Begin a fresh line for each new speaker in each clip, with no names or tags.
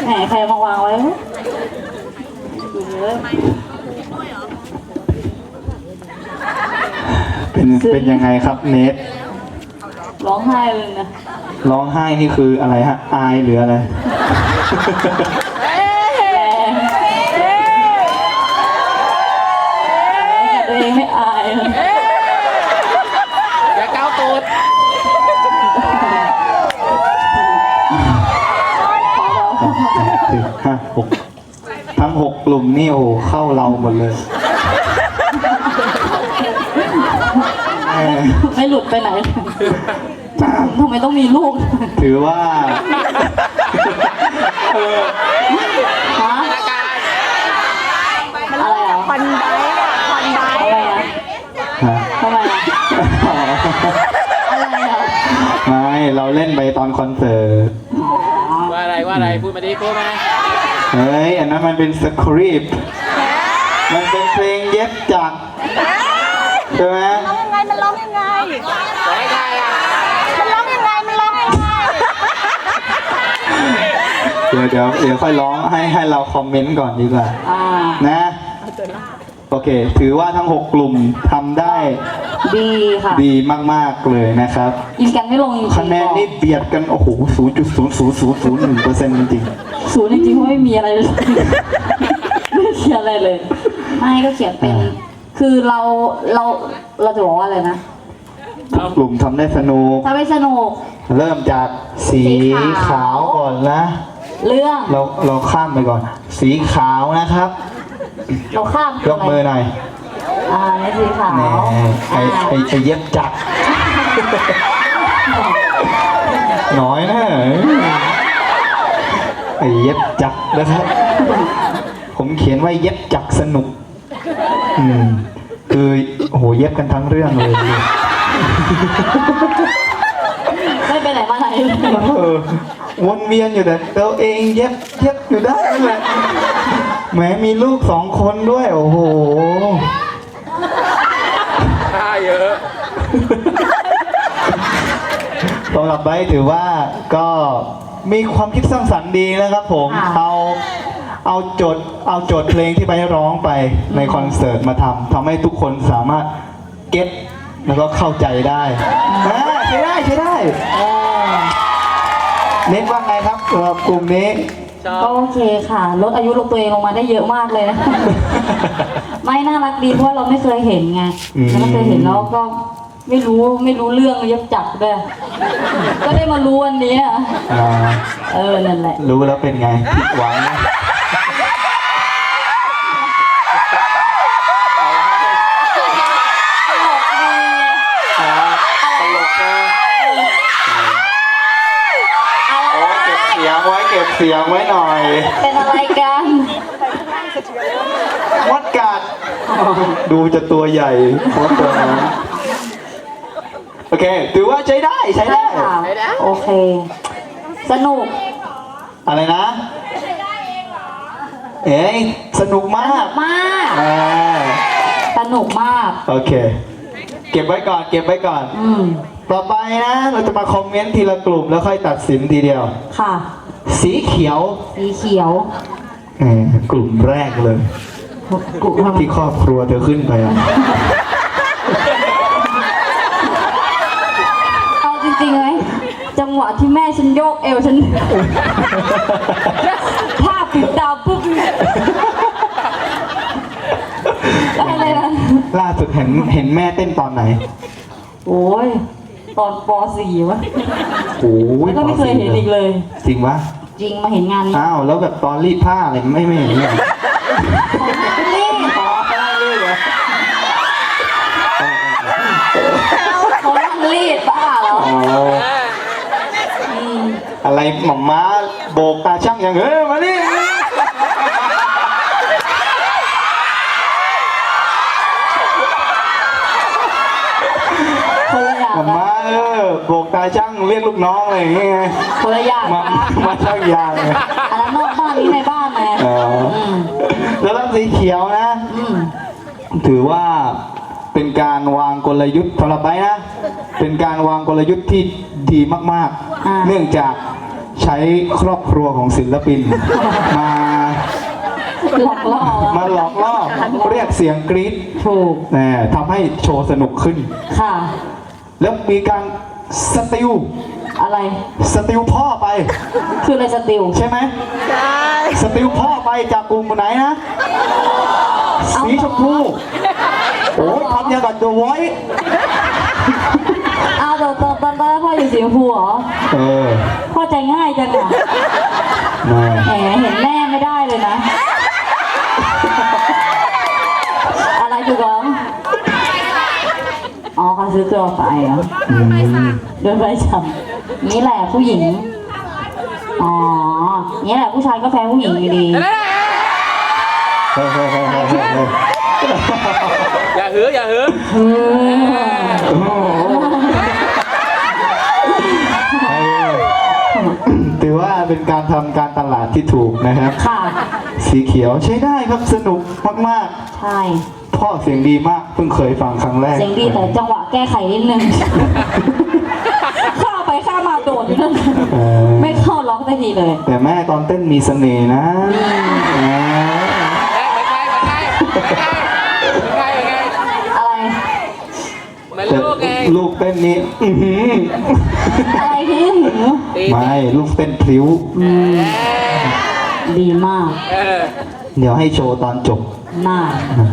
แหมใครมาวางไว้ดูเลย
เป็นยังไงครับเนท
ร้องไห้เลยนะ
ร้องไห้นี่คืออะไรฮะอายหรืออะไร
แรงตัวเองไม่อายเลย
อย่าก้าวตูด
5 6ทั้ง6กลุ่มนี่โอ้โหเข้าเราหมดเลย
ไม่หลุดไปไหนทำไมต้องมีลูก
ถือว่า
ฮะอะไรอ่ะ
ควันไบค์อะควันไบค์
อะไรอ่ะ
ฮะ
ทำไมอ่ะอะไรอ่ะ
ไม่เราเล่นไปตอนคอนเสิร์ต
ว่าอะไรพูดมาดิพูดมา
เฮ้ยอันนั้นมันเป็นสคริปต์มันเป็นเพลงเย็บจักรใช่ไหม
มันร้องยังไง
สอนให้ใครอ่ะ
มันร้องยังไง มันร้องยังไง
เดี๋ยวค่อยร้องให้เราคอมเมนต์ก่อนดีกว่า นะโอเค ถือว่าทั้ง 6 กลุ่มทำได้
ดีค่ะ
ดีมากๆเลยนะครับ
ยิงกันไม่ลงจริงๆ
คะแนนนี่เบียดกัน โอ้โห 0.0001% จริง
ศูนย์จริงๆเพราะไม่มีอะไรเลยไม่เขียนอะไรเลย ไม่ก็เขียนเป็น คือเราจะบอกว่าอะไรนะ
กลุ่มทำได้สนุก
ถ้าไม่สนุก
เริ่มจากสีขาวก่อนนะ
เรื่อง
เราข้ามไปก่อน สีขาวนะครับ
เราข้าม
ยกมือหน่อย
ในสีขาว
แหน่ไอเย็บจักรน้อยนะไอเย็บจักรนะครับ ผมเขียนไว้เย็บจักรสนุก คือโอ้โหเย็บกันทั้งเรื่องเลย
ไม่ไปไหนมาไหน
วนเวียนอยู่แต่ตัวเองเย็บอยู่ได้เลยแหมมีลูก2 คนด้วยโอ้โห
ท่าเยอะ
สำหรับไบร์ทถือว่าก็มีความคิดสร้างสรรค์ดีนะครับผม เอาโจทย์เพลงที่ไบร์ทร้องไปในคอนเสิร์ตมาทำให้ทุกคนสามารถเก็ตแล้วก็เข้าใจได้ใช้ได้เน้นว่าไงครับสำหรับกลุ่มนี้
ก็โอเคค่ะลดอายุลงตัวเองลงมาได้เยอะมากเลยนะ ไม่น่ารักดีเพราะเราไม่เคยเห็นไงไม่เคยเห็นแล้วก็ไม่รู้เรื่องเย็บจักรด้วยก็ได้มารู้วันนี้นั่นแหละ
รู้แล้วเป็นไงผิดหวังนะตลกนะโอ้เก็บเสียงไว้หน่อย
เป็นอะไรกัน
มดกัดดูจะตัวใหญ่มดตัวนั้นโอเคถือว่าใช้ได้
ค่ะโอเค สนุก
อะไรนะ เอ้ยสนุกมาก
สนุกมาก
โอเค เก็บไว้ก่อน ต่อไปนะเราจะมาคอมเมนต์ทีละกลุ่มแล้วค่อยตัดสินทีเดียว
ค่ะ
สีเขียว กลุ่มแรกเลย
กลุ่ม
ที่ครอบครัวเธอขึ้นไปอ่ะ
เอาจริงๆไหมจังหวะที่แม่ฉันโยกเอวฉันภาพปิดดาวปุ๊บอะไรนะ
ล่าสุดเห็นแม่เต้นตอนไหน
โอ้ยตอนป .4 วะ
โอ้ย
แล้วก็ไม่เคยเห็นอีกเลย
จริงวะ
จริงมาเห็นงานนี้
อ้าวแล้วแบบตอนรีดผ้าอะไรไม่เห็นเลย
รีดเขานั่งรีดบ้าเหรอ
อะไรหม่อมม้าโบกตาช่างอย่างมานี่
คนละอย่าง
หม่อมม้าโบกตาช่างเรียกลูกน้องอะไรอย่างเงี้ย
คนละอย่าง
มาช่างยางเลย
อันนั้นนอกบ้านนี้ในบ้านไง
แล้วสีเขียวนะ ถือว่าเป็นการวางกลยุทธ์สำหรับไบร์ทนะ เป็นการวางกลยุทธ์ที่ดีมากๆ เนื่องจากใช้ครอบครัวของศิลปิน มา
หลอกล่อ
มาหลอกล่อเรียกเสียงกรี๊ด
ถูก
ทำให้โชว์สนุกขึ้น
ค่ะ
แล้วมีการสติล
อะไร
สติลพ่อไป
คืออะไรสติล
ใช่ไหม
ใช่
สติลพ่อไปจากกลุ่มไหนนะ สีชมพูโอ้ยทำอย่างกับ The Voice
อ้าวตอนพ่ออยู่สีชมพูเหรอ
เออ
พ่อใจง่ายจังอ่ะ
แม่
แหมเห็นแม่ไม่ได้เลยนะ อะไรอยู่ก้องอ๋อเขาซื้อตัวไปเหรอ
อืม
โดนใบสั่งนี่แหละผู้หญิง อ๋อ นี่แหละผู้ชายก็แพ้ผู้หญิงอยู่ดี
เฮ้ยเฮ้ยเฮ้ยเฮ้ยเฮ้ย
อย่าหืออย่าหือ
โอ้โหถือว่าเป็นการทำการตลาดที่ถูกนะครับ
ค่ะ
สีเขียวใช้ได้ครับสนุกมาก
ใช่
ๆ พ่อเสียงดีมากเพิ่งเคยฟังครั้งแรก
เสียงดีแต่จังหวะแก้ไขนิดนึง ข้าไปข้ามาโดดนั่น
เออ
ไม่เข้าล็อกได้ทีเลย
แต่แม่ตอนเต้นมีเสน่ห์นะอ่า
อะไร
เหมือน
แต่
ลูกไง
ลูกเต้นนี้อื้อหือ
อะไรที่หนู
ตี
ไม่ลูกเต้นพลิ้ว
ดีมาก
เออ
เดี๋ยวให้โชว์ตอนจบ
มาก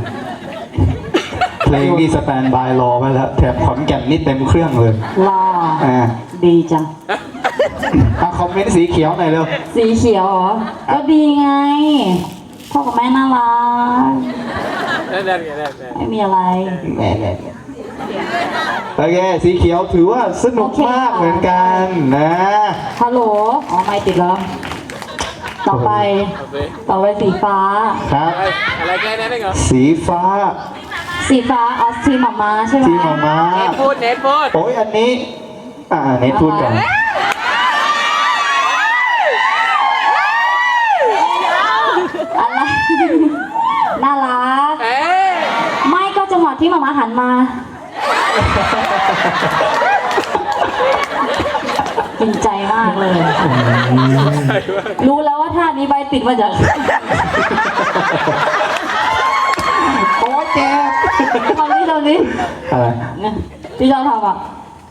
เพลงนี่สแตนบายรอไว้แล้วแถบขอนแก่นนี่เต็มเครื่องเลย
รอ
อ่า
ดีจัง
คอมเมนต์สีเขียวหน่อยเร็ว
สีเขียวเหรอ ก็ดีไง พ่อกับแม่น่ารัก
นั่น
ไม่มีอะไร
แหม่โอเคสีเขียวถือว่าสนุกมากเหมือนกันนะ
ฮัลโหล อ๋อ ไม่ติดแล้ว ต่อไป
โอเค
ต่อไปสีฟ้า
ครับ
อะไรแค่นั้นเองเหรอ
สีฟ้า
สีฟ้าเอาทีมหมามาใช่ไหม
ที่มามา
เน็ตพูดเน็ตพูด
โอ้ยอันนี้ เน็ตพูดก่อน
อะไร น่ารัก
เอ๊ะ
ไม่ก็จังหวะที่หมามาหันมา กินใจมากเลย รู้แล้วว่าท่านี้ใบติดมาจาก
โอ้ยแก
ตอนนี้
อะไร
เนี่ยที่เราทำอ่ะ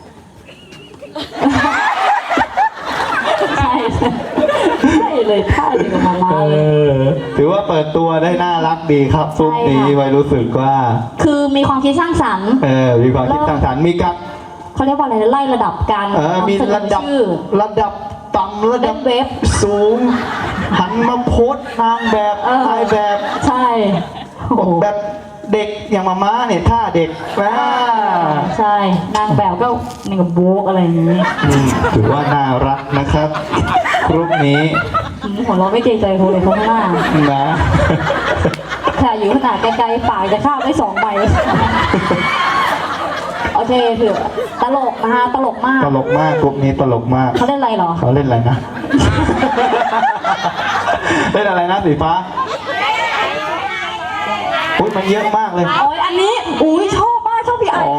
ใช่ใช่เลยท่าเดียวกับมามาเลย
ถือว่าเปิดตัวได้น่ารักดีครับซุปนี้
ใช่ค่ะ
ไว้รู้สึกว่า
คือมีความคิดสร้างสรรค์
มีความคิดสร้างสรรค์มีการ
เขาเรียกว่าอะไรนะไล่ระดับการ
มี
นำเสนอ
ระดับ
ชื่อ
ระดับต่ำระดับ
เว็บ
สูง หันมาโพสต์นางแบบ
เออ
ถ่ายแบบ
ใช่โอ้โห
แบบเด็กอย่างมาม่าเนี่ยท่าเด็กนะ
ใช่ นางแบบก็นี่กับโบกอะไรอย่างนี้
ถือว่าน่ารักนะครับกรุ๊ปนี้
หัวเราะไม่เกรงใจคนเลยข้างหน้า
นะ
ค่ะอยู่ขนาดไกลๆปากจะข้ามได้2 ใบ โอเคถือตลกนะคะตลกมาก
ตลกมากกรุ๊ปนี้ตลกมาก
เขาเล่นอะไรเหรอ
เขาเล่นอะไรนะ เล่นอะไรนะสีฟ้าอุ้ยมันเยอะมากเลย
โอ้ยอันนี้อุ้ยชอบมากชอบพี่ไอ้
อ๋อ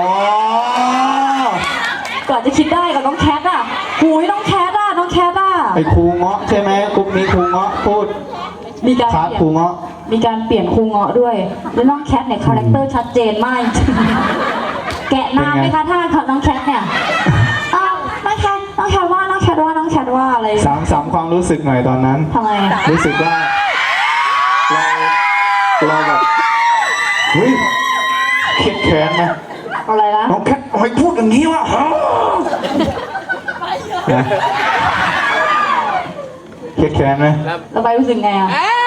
ก่อนจะคิดได้กับน้องแคทอ่ะหุยน้องแคทอ่ะน้องแคทอ่ะ
ไอ้ครูเงาะใช่ไหมกรุ๊ปนี้ครูเงาะพูด
มีการ
ครับ
เปลี่ย
ครู
น
เงาะ
มีการเปลี่ยนครูเงาะด้วยแล้วน้องแคทเนี่ยคาแรคเตอร์ชัดเจนมากจริงแกะนานไหมคะท่าของน้องแคทเนี่ยอ้าวน้องแคทว่าอะไร
สามความรู้สึกหน่อยตอนนั้น
ทำไมอะ
รู้สึกว่าเราแบบเฮ้ยเครียดแค้นไหม
อะไรนะ
น้องแคททำไมพูดอย่างนี้วะฮะนะเครียดแค้นไหม
แล้วใบรู้สึกไงอ่ะ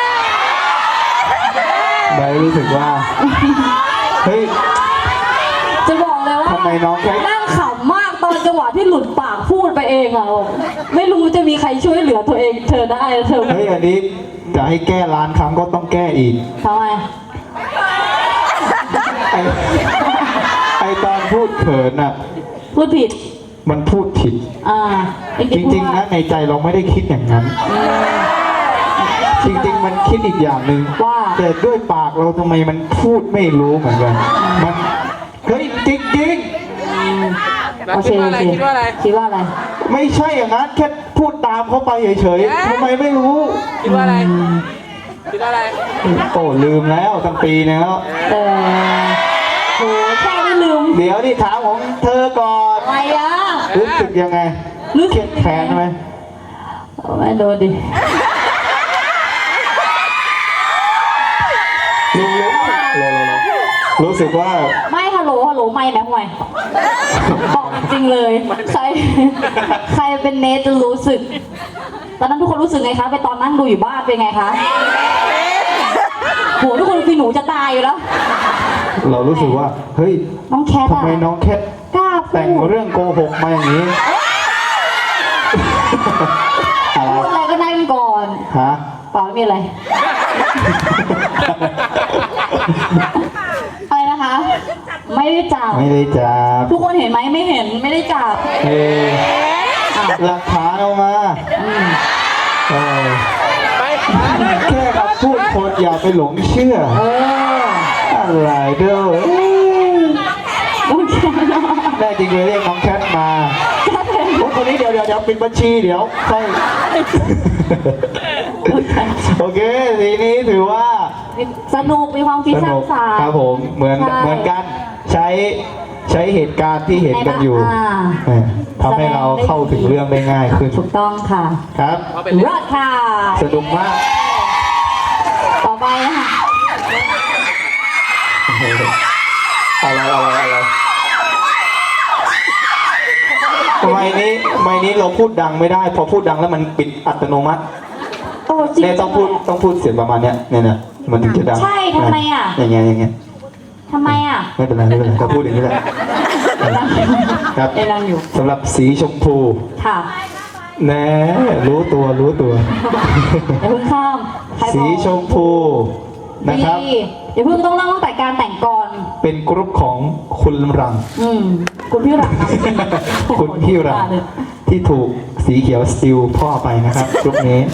ใบรู้สึกว่าเฮ้ย
จะบอกเลยว่า
ทำไมน้องแคท
นั่งขำมากตอนจังหวะที่หลุดปากพูดไปเองอ่ะไม่รู้จะมีใครช่วยเหลือตัวเองเธอได้เธอ
เฮ้ยอันนี้จะให้แก้ล้านครั้งก็ต้องแก้อีก
ทำไม
ไอตอนพูดเขินน่ะ
พูดผิด
มันพูดผิด จริงๆนะในใจเราไม่ได้คิดอย่างนั้น จริงๆมันคิดอีกอย่างหนึ่ง
ว่า
แต่ด้วยปากเราทำไมมันพูดไม่รู้เหมือนกัน มันเฮ้ยจริง
แล้วคิดว่าอะไรคิดว่าอะไร
คิดว่าอะไร
ๆไม่ใช่อย่างนั้นแค่พูดตามเขาไปเฉยๆทำไมไม่รู้
คิดว่าอะไรคิดว่าอะไร
โอ้ลืมแล้วตั้งปีนึงแล้ว
โหแค่ไม่ลืม
เดี๋ยวนี่ถามของเธอก่อน
อะไรอ่ะ
รู้สึกยังไงเครียดแค้นไหม
ไม่โดนดิ
รู้สึกว่า
ไม่ฮัลโหลไม่แม่ห่วยบอกจริงเลย ใครเป็นเนทจะรู้สึก ตอนนั้นทุกคนรู้สึกไงคะไปตอนนั่งดูอยู่บ้านเป็นไงคะโหทุกคนคือหนูจะตายอยู่แล้ว
เรารู้สึกว่าเฮ้ย
น้องแคท
ทำไมน้องแคท
กล้าพู
แต่ง
ด
เรื่องโกหกมาอย่างนี้อะไร
พูดอะไรก็ได้กันก่อน
ฮะ
เปล่าไม่มีอะไร อะไรนะคะ ไม่ได้จับ
ไม่ได้จับ
ทุกคนเห็นไหมไม่เห็นไม่ได้จับ
เออหลักฐานเอามาเออ
ไป
แค่คำพูดคนอย่าไปหลงเชื่อ
เออ
อะไรเด้อ
โอเค
แน่จริงเลยเรียกน้องแคทมาคนนี้เดี๋ยวปิดบัญชีเดี๋ยวค่อยโอเคทีนี้ถือว่า
สนุกมีความคิดสร้างสรรค์
ครับผมเหมือนกันใช้เหตุการณ์ที่เห็นกันอยู่
อ่า
ทำให้เราเข้าถึงเรื่องได้ง่ายขึ้น
ถูกต้องค่ะ
ครับ
เอาไปเล่น
รอดค่ะ
สนุกมาก
ต่อไปนะคะ
อะไรไม่นี้เราพูดดังไม่ได้พอพูดดังแล้วมันปิดอัตโนมัติ
โอ้จริง
เนี่ยต้องพูดเสียงประมาณเนี้ยเนี่ยมันถึงจะดัง
ใช่ทำไมอ่ะ
อย่างเงี้ย
ทำไมอ่ะ
ไม่เป็นไรก็พูดอย่างนี้แหละครับ
เอ็นังอยู่
สำหรับสีชมพู
ค่ะ
แน่รู้ตัว
อย่าเพิ่งข้ามใครบอก
สีชมพูนะครับ
ดีอย่าเพิ่งต้องเล่าตั้งแต่การแต่งก่อน
เป็นกรุ๊ปของคุณรัง
คุณพี่หลัง
คุณพี่รังที่ถูกสีเขียวสติลพ่อไปนะครับกรุ๊ปนี้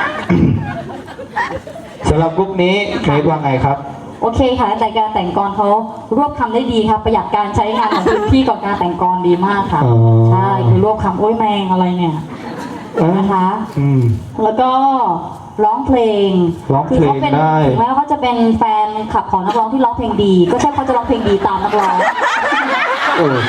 สำหรับกรุ๊ปนี้เมย์ว่าไงครับ
โอเคค่ะแต่การแต่งกรเขารวบคำได้ดีครับประหยัดการใช้งานของพื้นที่ก่อนการแต่งกรดีมากค่ะ
อ๋อ
ใช่คือรวบคำโอ้ยแมงอะไรเนี่ยนะคะ แล้วก็ร้องเพลง
ร้องเพลง
คืเขาเป็น
ได้
ถึงแม้ว่าเขาจะเป็นแฟนคลับของนักร้องที่ร้องเพลงดี ก็ใช่เขาจะร้องเพลงดีตามนักร้อง
เออ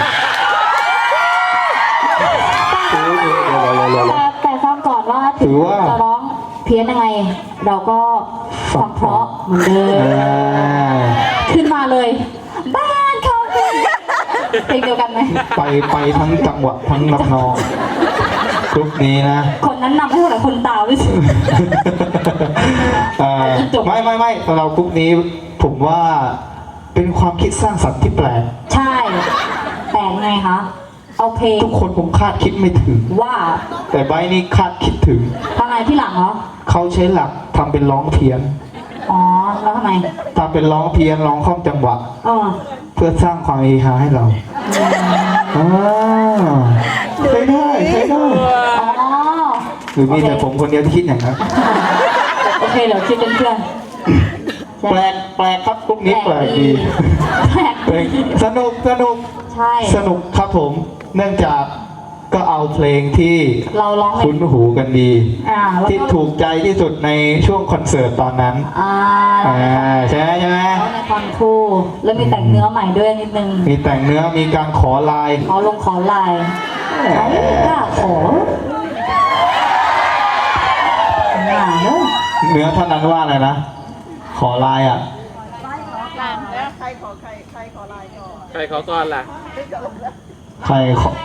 แต่ฟังก่อนว่าถึงจะร้องเพี้ยนยังไง เราก็ฟังเพราะเหมือนเดิมขึ้นมาเลย บ้านเขาเพลงเดียวกันไหม
ไปทั้งจังหวะทั้งลำนองกรุ๊ปนี้นะ
คนนั้นนำให้คนละคนตาวด้วยสิ
ไม่สำหรับกรุ๊ปนี้ผมว่าเป็นความคิดสร้างสรรค์ที่แปลก
ใช่ แต่ไงคะ เอาเพลง
ทุกคนคงคาดคิดไม่ถึง
ว่า
แต่ใบนี้คาดคิดถึง
ทำไมที่หลังเหรอ
เขาใช้หลักทำเป็นร้องเพี้ยน
อ๋อ แล้วทำไม
ทำเป็นร้องเพี้ยนร้องข้อมจังหวะ เพื่อสร้างความเฮฮาให้เราใช้ได้
อ๋อ
หรือมีแต่ผมคนเดียวที่คิดอย่างนั้น
โอเคเดี๋ยวคิดเป็นเพื่อน
แปลกครับกรุ๊ปนี้แปลกดี
แปลก
เพลง
ดี
สนุก
ใช่
สนุกครับผม เนื่องจากก็เอาเพลงที่
เราร้องเพล
คุ้
ง
นหูกันดี
แล้ว
ที่
ก็
ถูกใจที่สุดในช่วงคอนเสิร์ตตอนนั้น ใช่ไหม
ร้องในคอนคู่ แล้วมีแต่งเนื้อใหม่ด้วยนิดนึง
มีแต่งเนื้อมีการขอลาย
ขอลงขอลายเขาไม่กล้าขอเนอะ
เนื้อเท่านั้นว่าอะไรนะ ขอลายอ่ะ
ใครขอก่อนล่ะ
ใครขอ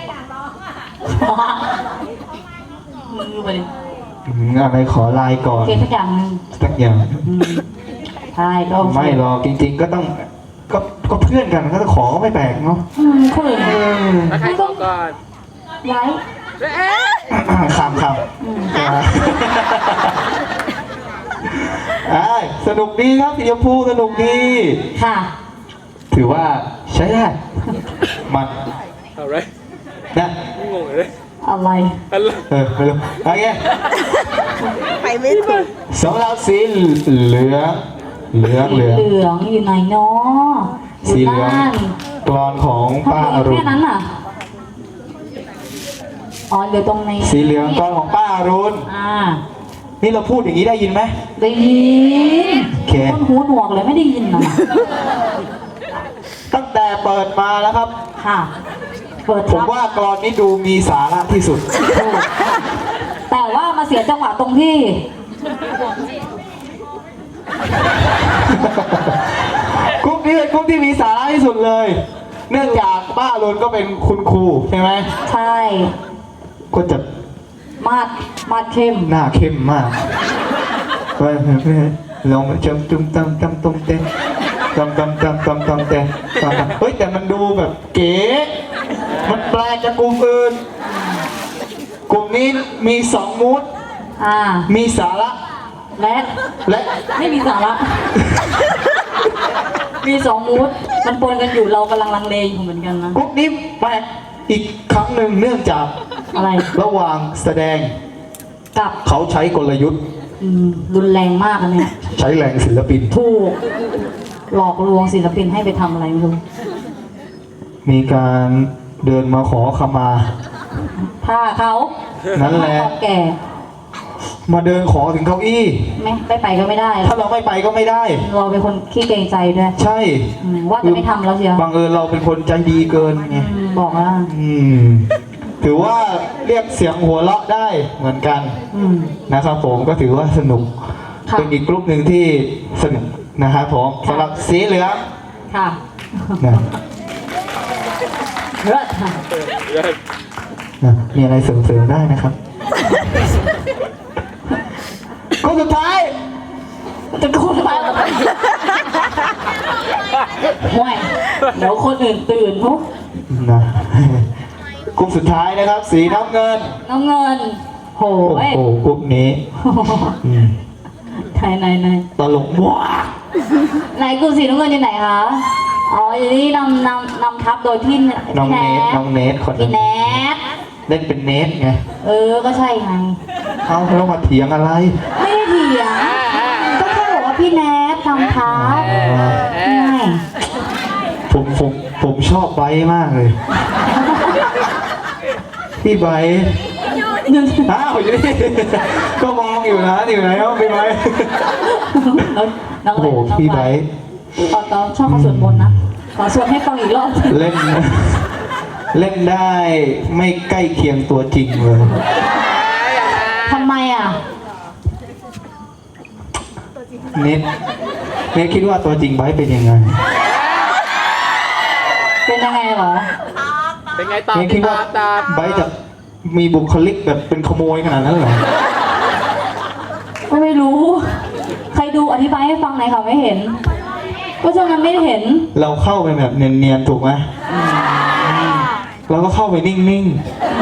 มือไปดิ
อะไรขอลายก่อน
เกสักอย่างหนึง
สักอย่าง
ใช่ก็โอเค
ไม่หรอกจริง ๆ ก็ต้องก็เพื่อนกันก็จะขอก็ไม่แปลกเนาะ
คนอื่น
แล้วใครขอก่อน
ไลฟ์
คำสนุกดีครับสีชมพูสนุกดี
ค่ะ
ถือว่าใช้ได้ มัน
เอาไร
นะ
งงเลย
อะไร
อะไร
ไม่รู้โอเค
ไปไม่ถูก
สำหรับสีเหลือง
เหลืองอยู่ไหนเนาะ
สีเหลืองกรอนของ
ทำ
ป้า
ไม
อรุณ
แค่นั้นอ่ะอ๋อเดี๋ยวตรงนี้
สีเหลืองกลองของป้าอรุณ นี่เราพูดอย่างนี้ได้ยินไหม
ได้ยิน
โอเค
คนหูหนวกเลยไม่ได้ยินนะ
ตั้งแต่เปิดมาแล้วครับ
ค่ะ เปิด
ผม
ทับ
ว่ากรอนนี้ดูมีสาระที่สุด
แต่ว่ามาเสียจังหวะตรงที่
กรุ๊ปนี้เป็นกรุ๊ปที่มีสาระที่สุดเลย เนื่องจากป้าอรุณก็เป็นคุณครูใช่ไหม
ใช่
ก็จะ
มาดเข้ม
หน้าเข้มมากลองจำตุ้มตำตำตุ้มเต้นตำตำตำตำตำเต้นเฮ้ยแต่มันดูแบบเก๋มันแปลกจากกลุ่มอื่นกลุ่มนี้มี2มูด มีสาระ
และ
และ
ไม่มีสาระ มีสองมูดมันปนกันอยู่เรากำลังลังเลอยู่เหมือนกันนะ
กรุ๊ปนี้แปลกอีกครั้งหนึ่งเนื่องจาก
อะไร
ระหว่างแสดง
กับ
เขาใช้กลยุทธ์
รุนแรงมากอันเนี้ย
ใช้แรงศิลปิน
ถูกหลอกลวงศิลปินให้ไปทำอะไรไม่รู้
มีการเดินมาขอขมา
ถ้าเขา
นั่นแหละ
ถ้าเขาแก่
มาเดินขอถึงเก้าอี้
ไม่ไปก็ไม่ได้
ถ้าเราไม่ไปก็ไม่ได้
เราเป็นคนขี้เกรงใจด้วย
ใช่
ว่าจะไม่ทำแล้วเชียว
บังเอิญเราเป็นคนใจดีเกินไง
บอกว่า
ถือว่าเรียกเสียงหัวเราะได้เหมือนกันนะครับผมก็ถือว่าสนุก
ค่ะ
เป็นอีกกลุ่มหนึ่งที่สนุกนะครับผมสำหรับสีเหลือง
ค่ะ
นะ
เลิศค่ะ
นะมีอะไรเสริมๆได้นะครับก็สุดท้าย
จะพูดมาห่วยเดี๋ยวคนอื่นตื่นปุ๊บ
นะกลุ่มสุดท้ายนะครับ สีน้ำเงิน
น้ำเงินโห
โอ้
ย
โหกลุ่มนี้อืม
ไหน
ตลกมาก
ไหนกูสีน้ำเงินอยู่ไหนคะ อ๋ออยู่นี่นำทับโดยพี่
น้อง
แน
เนท
ท
น้องเนทคน
พี่
นั้น
แนท
เล่นเป็นเนทไง
ก็ใช่ไง
เอาแล้วมาเถียงอะไร
ไม่ได้เถียงก็แค่บอกว่าพี่แนททำทับไม่
ผมชอบไบร์ทมากเลย พี่ไบร์ทอ้าวอยู่นี่ ก็มองอยู่นะอยู่ไหนวะพี่ไบร์ท
น้อง
โอ้โหพี่ไบร์ท
ตอนชอบเขาสวดมนต์นะ ขอสวดให้ฟังอีกรอบ
เล่น เล่นได้ไม่ใกล้เคียงตัวจริงเลย
ทำไมอ่ะ
เน็ตคิดว่าตัวจริงไบร์ทเป็นยังไง
เป็นยังไงเหรอ
เป็นไงตอบ
เน็ตคิดว่า
ตอบ
ไบร์ทจะมีบุคลิกแบบเป็นขโมยขนาดนั้นเหรอ
ก็ไม่รู้ ใครดูอธิบายให้ฟังหน่อยค่ะไม่เห็น ก็ฉะนั้นไม่เห็น
เราเข้าไปแบบเนียนๆถูกไหมเราก็เข้าไปนิ่ง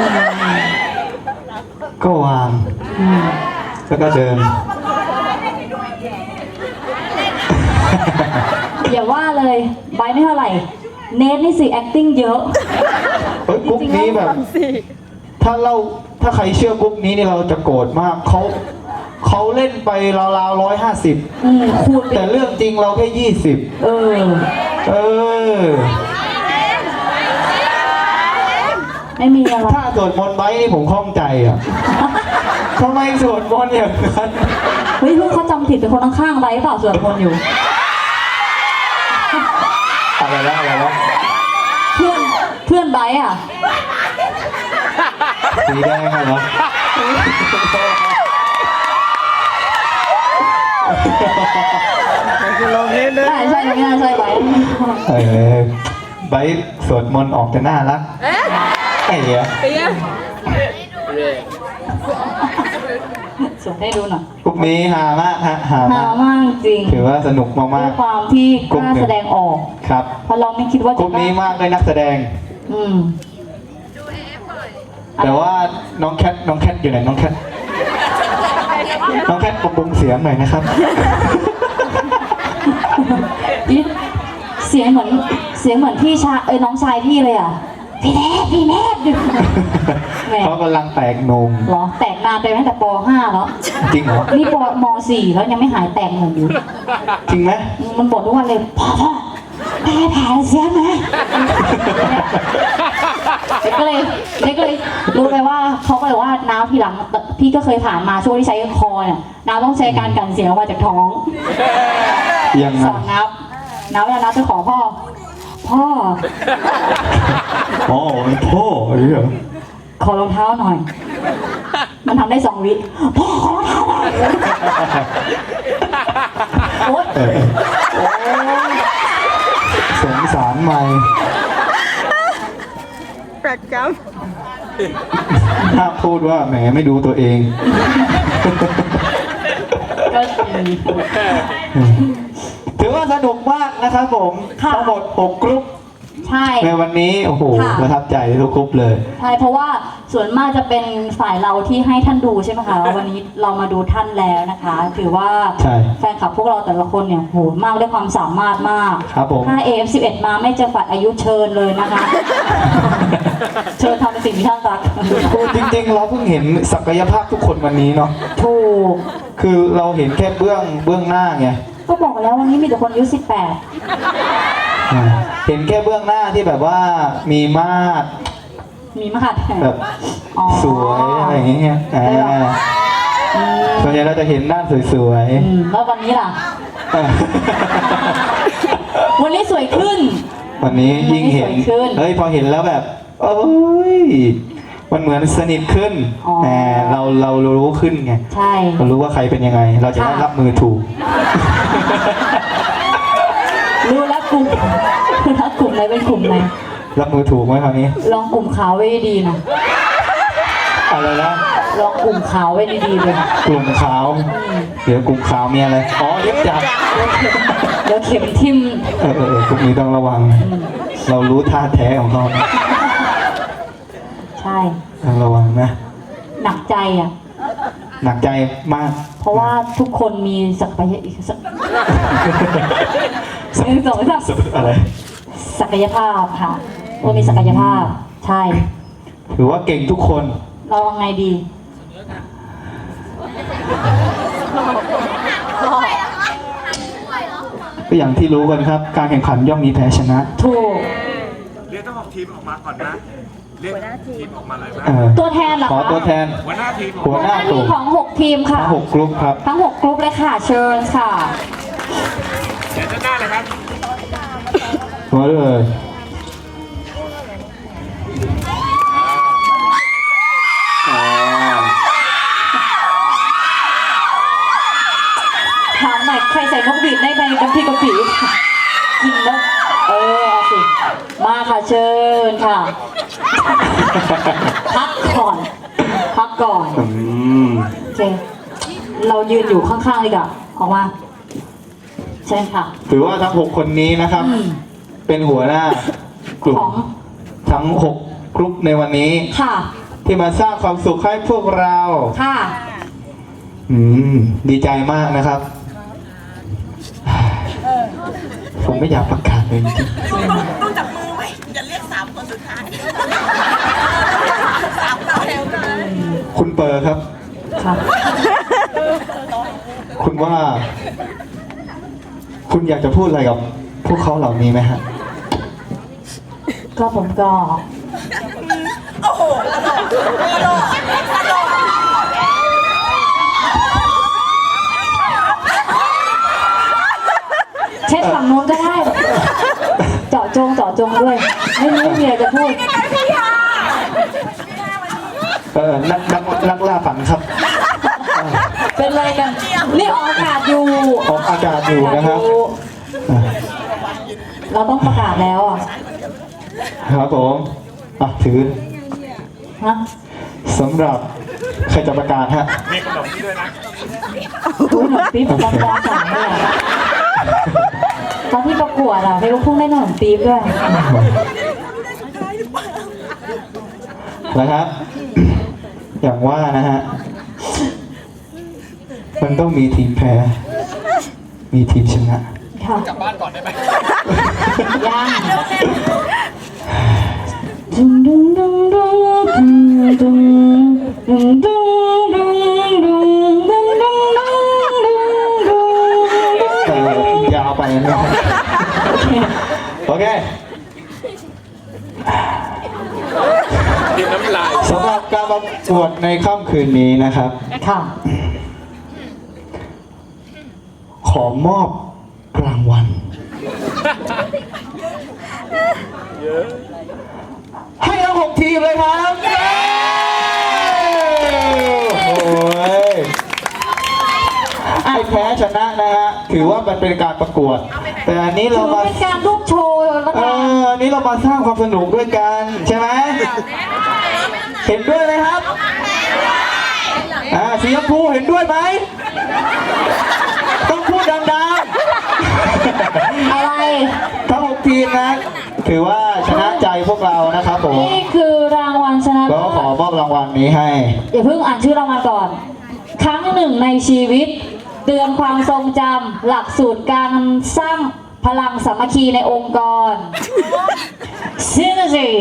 ๆ ก็วาง แล้วก็เดิน
อย่าว่าเลยไบร์ทไม่เท่าไหร่ เนทนี่สิ acting เยอะ
เฮ้ยกรุ๊ปนี้แบบ ถ้าใครเชื่อกรุ๊ปนี้นี่เราจะโกรธมากเขาเล่นไปราวๆ150
คูณไป
แต่เรื่องจริงเราแค่20
เออ ไม่มีอะไร
ถ้าสวดมนต์ไบร์ทนี่ผมข้องใจอ่ะ ทำไมสวดมนต์อย่างนั้น
เฮ้ยลูกเขาจำผิดเป็นคนข้างๆไบร์ทเปล่าสวดมนต์อยู่
อะไรวะ
เพื่อนไบร์ทอ่ะ
สีแดงอะเหรอ
ลองเล่นด้วย
ใช่ไม่น่าใช่ไบร์ท
ไบร์ทสวดมนต์ออกจะน่ารักไอ้เหี้ย
เตี้ย
สวดให้ดูหน่อย
กรุ๊ปนี้ฮามากฮะฮา
หาม
าก
มากจริง
ถือว่าสนุก
ด้
มา
วย
ก
ความที่กล้าแสดงออก
ๆครับ
เพราะเราไม่คิดว่าก จะ
รุ๊ปนี้มากเลยนักแสดง
อืม
แต่ว่าน้องแคทอยู่ไหนน้องแคทปรับปรุงเสียงหน่อยนะครับ
เสียงเหมือนพี่ชายน้องชายพี่เลยอ่ะ พี่แนทแหม
เขากำลังแตกนม
เหรอแตกนานไปตั้งแต่ป .5 แล้ว
จริงเหรอ
นี่ม .4 แล้วยังไม่หายแตกหนุ่มอยู่
จริงไหม
มันบ่นทุกวันเลยพ่อแก้แผลเสียนะเด็กก็เลยรู้ไปว่าเขาก็เลยว่าน้ำทีหลังพี่ก็เคยผ่านมาช่วงที่ใช้คอเนี่ยน้ำต้องใช้การกันเสียงออกมาจากท้อง
ยัง
ส
ไง
อนน้ำเวลาน้ำจะขอพ่อ
อ๋อพ่อเหรอ
ขอรองเท้าหน่อย มันทำได้2 วิพ่อขอรองเท้าหน่อยโอ๊ย
สงสารไม่
ประจ
ถ้าพูดว่าแหมไม่ดูตัวเอง
ก็ดี
ถือว่าสนุกมากนะครับผม
ค่ะ
ทั้งหมด6กรุ๊ป
ใช่
ในวันนี้โอ้โห
ค่ะ
ประทับใจทุกกรุ๊ปเลย
ใช่เพราะว่าส่วนมากจะเป็นฝ่ายเราที่ให้ท่านดูใช่ไหมคะวันนี้เรามาดูท่านแล้วนะคะ ถือว่า
ใช่
แฟนคลับพวกเราแต่ละคนเนี่ยโหมากด้วยความสามารถมาก
ครับผม
ถ้า AF11 มาไม่จำกัดอายุเชิญเลยนะคะ เชิญทำในสิ่งที่ท่านรัก
จริงๆ เราเพิ่งเห็นศักยภาพทุกคนวันนี้เนาะ
ถูก
คือเราเห็นแค่เบื้องหน้าไง
ก็บอกแล้ววันนี้มีแต่คนอายุ18
เห็นแค่เบื้องหน้าที่แบบว่ามีมาด
มีมาก
แบบ
อ๋อ
สวยอะไรอย่างเงี้ยส่วนใหญ่เราจะเห็นด้านสวย
แล้ววันนี้ล่ะ
ๆ
วันนี้สวยขึ้น
วันนี้ยิ่งเห็น
สวยขึ้น
เฮ้ยพอเห็นแล้วแบบเอ้ยมันเหมือนสนิทขึ้น
อ๋อ
แต่เรารู้ขึ้นไง
ใช่
เรารู้ว่าใครเป็นยังไง เราจะได้
ค่ะ
รับมือถูก
รู้แล้วกลุ่มรู้แล้วกลุ่มไหนเป็นกลุ่มไหน
รับมือถูกไหมคราวนี้
ลองกลุ่มขาวไว้ดีๆนะ
อะไรนะ
ลองกลุ่มขาวไว้ดีๆเลย
กลุ่มขาว เดี๋ยวกลุ่มขาวมีอะไรอ๋อเย็บจับ
เดี๋ยวเข็มทิ่ม
พวกนี้ต้องระวัง เรารู้ท่าแท้ของเขา
ใช่
ต้องระวังนะ
หนักใจอ่ะ
หนักใจมาก
เพราะว่าทุกคนมีศักย
อะไร
ศักยภาพค่ะว่ามีศักยภาพ ใช่
ถือว่าเก่งทุกคน
เราเอาไงดี
ก็อย่างที่รู้กันครับ การแข่งขันย่อมมีแพ้ชนะ
ถูก
เรียกเจ้าของทีมออกมาก่อนนะ เรียกทีมออกมาเลยนะ
ตัวแทนเหรอ
ขอ
คะ
ตัวแทน
หัวหน้าทีมออก
หัว
มา
หน้า
ที
กลุ่ม
ของ6ทีมค่ะ
ทั้ง6กรุ๊ปครับ
ทั้ง6กรุ๊ปเลยค่ะ เชิญค่ะ
เดี๋ยวด้านหน้าเลยครับ
มาเลย
ถามหน่อยใครใส่นกหวีดได้ไหมน้ำพริกกะปิกินแล้วเอาสิ มาค่ะเชิญค่ะ พักก่อน พักก่อน โอเค เรายืนอยู่ข้างๆเลยก่ะออกมา เชิญค่ะ
ถือว่าทั้ง6คนนี้นะครับ เป็นหัวหน้ากลุ่ม
ของ
ทั้ง6กรุ๊ปในวันนี้
ค่ะ
ที่มาสร้างความสุขให้พวกเรา
ค่ะ
ดีใจมากนะครับ ผมไม่อยากประกาศเลยจริง
ต้องจับมือไว้อย่าเรียก3 คนสุดท้าย3ต่อแถวกัน
ๆคุณเปอร์ครับ
ค่ะ
คุณว่า คุณอยากจะพูดอะไรกับพวกเขาเหล่านี้ไหมฮะ
ก็ผมก็
โอ้โหกระโดดกระโดด
เช็ดฝั่งนู้นก็ได้ เจาะจงด้วย ไม่มีอะไรจะพูด
นักล่าฝันครับ
เป็นอะไรกัน นี่ออกอากาศอยู่
ออกอากาศอยู่นะครับ
เราต้องประกาศแล้วอ่ะ
ครับผมถือ
ฮะ
สำหรับใครจะประกาศฮะ
มีขนมด้วยนะ
ดูหนมปี๊บตอนป .3 เนี่ยตอนที่ประกวดอ่ะเพลงลูกทุ่งได้หนมปี๊บด้วย
นะครับ อย่างว่านะฮะ มันต้องมีทีมแพ้ มีทีมชนะ
ค่ะ
กลับบ้านก่อนได้ไหม
ยังดึงดึงดึงดึงดึงดึงดึงดึงดึงดึงดึงดึงดึง
ยาวไปนะครับโอเค
กินน้ำลาย
สำหรับการประกวดในค่ำคืนนี้นะครับ
ค่ะ
ขอมอบรางวัล
เยอะ
ให้ทั้ง6ทีมเลยครับโอ้ยไอ้แพ้ชนะนะฮะถือว่ามันเป็นการประกวด แต่อันนี้
ถื
เรา
อ
มา
เป็นการลูกโชว์แล้วกัน
อันนี้เรามาสร้างความสนุกด้วยกันใช่ไหมเห็นด้วยไหมครับสีชมพูเห็นด้วยไหมต้องพูดดังๆ
อะไร
ทั้ง6ทีมนะถือว่าชนะใจพวกเรานะครับผม
นี่คือรางวัลชนะ
ก็
เลิศ
ขอมอบรางวัลนี้ให้
อย่าเพิ่งอ่านชื่อรางวัลก่อน ครั้งหนึ่งในชีวิต เตือนความทรงจำหลักสูตรการสร้างพลังสามัคคีในองค์กร Synergy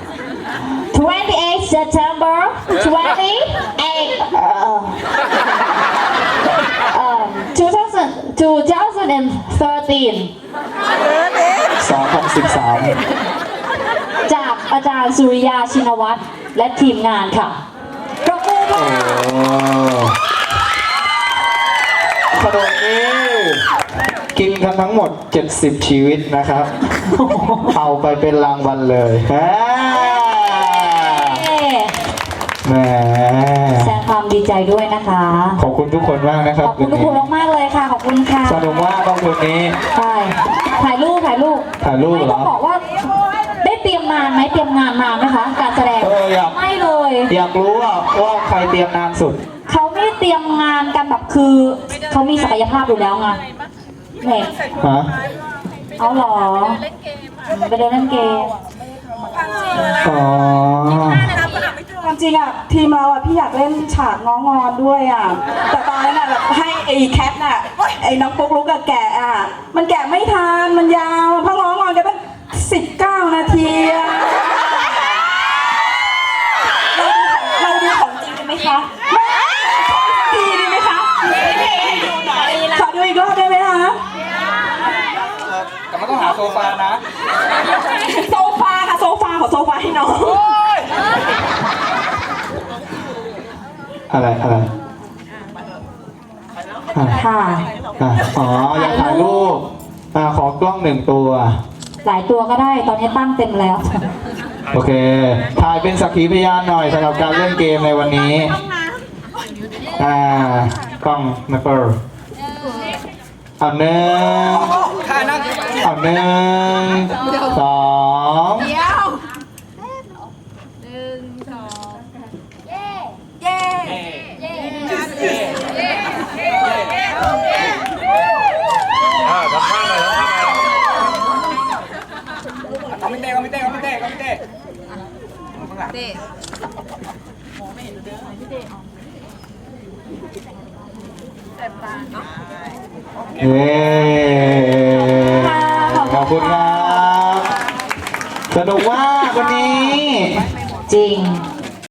28 September 2013 จากอาจารย์สุริยาชินวัตรและทีมงานค่ะปรบมือค่ะ
ขนมนี้กินกันทั้งหมด 70 ชีวิตนะครับ เอาไปเป็นรางวัลเลยแหม
แสดงความดีใจด้วยนะคะ
ขอบคุณทุกคนมากนะครั
ข
บ
อบคุณทุกคนมากๆเลยค่ะ ขอบคุณค่ะ
สนุกมากตรงคืนนี้
ใช่ถ่ายรูป
ถ่ายรูป
ไม่
เหร
ต้
อ
องบอกว่าได้เตรียมนานไหมเตรียมงานนานไหมคะ การแสดง ไม่เลย
อยากรู้ว่าใครเตรียมนานสุด
เขาไม่ได้เตรียมงานกันแบบคือเขามีศักยภาพอยู่แล้วไงเนี่ย
ฮะ
เอาเหรอไปเดินเล่นเกม
อ๋อ
ความจริงอ่ะทีมเราอ่ะพี่อยากเล่นฉากน้องงอนด้วยอ่ะแต่ตอนนั้นอ่ะแบบให้ไอ้แคทน่ะไอ้น้องปุ๊กลุกกับแกะอ่ะมันแกะไม่ทันมันยาวเพราะน้องงอนกันตั้ง19 นาทีอ่ะเราดูของจริงกันไหมคะดีไหมคะขอดูอีกรอบได้ไหมคะ
แต่มันต้องหาโซฟานะ
โซฟาค่ะโซฟาขอโซฟาให้น้อง
อะไร
ค่ะ
อ๋อ อยากถ่ายรูป ขอกล้อง1 ตัว
หลายตัวก็ได้ ตอนนี้ตั้งเต็มแล้ว
โอเค ถ่ายเป็นสักขีพยานหน่อยสำหรับการเล่นเกมในวันนี้ กล้องนะเปิร์เอา1เอา1
ทำท่าหน่อยทำท่าหน่อย
เอาไม่เต้เอาไม่เต้เอาไม่เต้เอาไม่เต้
เย้ขอบคุณครับ สนุกมากวันนี้
จริง